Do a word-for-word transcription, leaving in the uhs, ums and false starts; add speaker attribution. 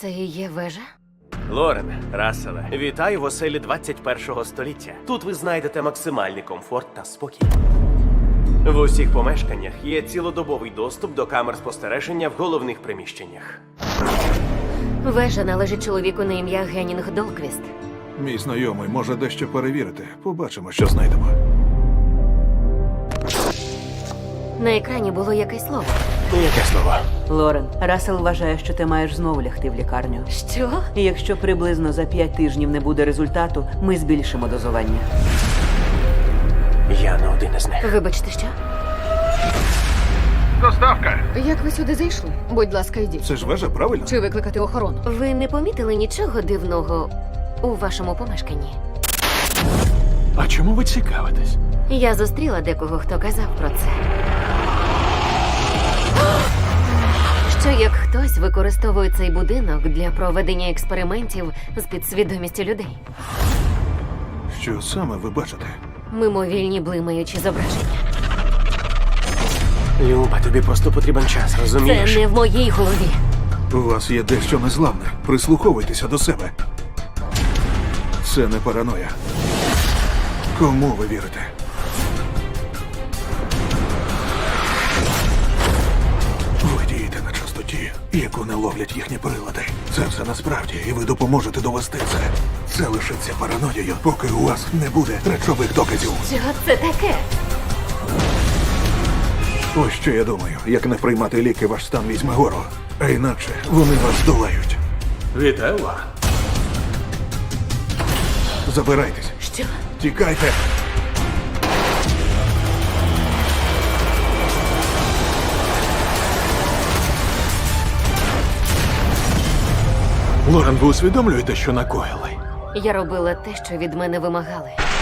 Speaker 1: Це і є вежа?
Speaker 2: Лорен, Расселе, вітаю в оселі двадцять першого століття. Тут ви знайдете максимальний комфорт та спокій. В усіх помешканнях є цілодобовий доступ до камер спостереження в головних приміщеннях.
Speaker 1: Вежа належить чоловіку на ім'я Геннінг Долквіст.
Speaker 3: Мій знайомий може дещо перевірити. Побачимо, що знайдемо.
Speaker 1: На екрані було якесь слово.
Speaker 2: Яке слово?
Speaker 4: Лорен, Рассел вважає, що ти маєш знову лягти в лікарню.
Speaker 1: Що?
Speaker 4: І якщо приблизно за п'ять тижнів не буде результату, ми збільшимо дозування.
Speaker 2: Я не один із них.
Speaker 1: Вибачте, що?
Speaker 3: Доставка!
Speaker 5: Як ви сюди зайшли? Будь ласка, йдіть.
Speaker 3: Це ж вежа, правильно?
Speaker 5: Чи викликати охорону?
Speaker 1: Ви не помітили нічого дивного у вашому помешканні?
Speaker 6: А чому ви цікавитесь?
Speaker 1: Я зустріла декого, хто казав про це. Що як хтось використовує цей будинок для проведення експериментів з підсвідомістю людей.
Speaker 3: Що саме ви бачите?
Speaker 1: Мимовільні блимаючі зображення.
Speaker 2: Люба, тобі просто потрібен час,
Speaker 1: Це
Speaker 2: розумієш?
Speaker 1: не в моїй голові.
Speaker 3: У вас є дещо незламне. Прислуховуйтеся до себе. Це не параноя. Кому ви вірите? Ви дієте на частоті, яку не ловлять їхні прилади. Це все насправді, і ви допоможете довести це. Це лишиться параноєю, поки у вас не буде речових доказів.
Speaker 1: Що це таке?
Speaker 3: Ось що я думаю. Як не приймати ліки, ваш стан візьме гору. А інакше вони вас здолають.
Speaker 6: Вітаю, Лорен.
Speaker 3: Забирайтесь.
Speaker 1: Що?
Speaker 3: Тікайте.
Speaker 6: Лорен, ви усвідомлюєте, що накоїли?
Speaker 1: Я робила те, що від мене вимагали.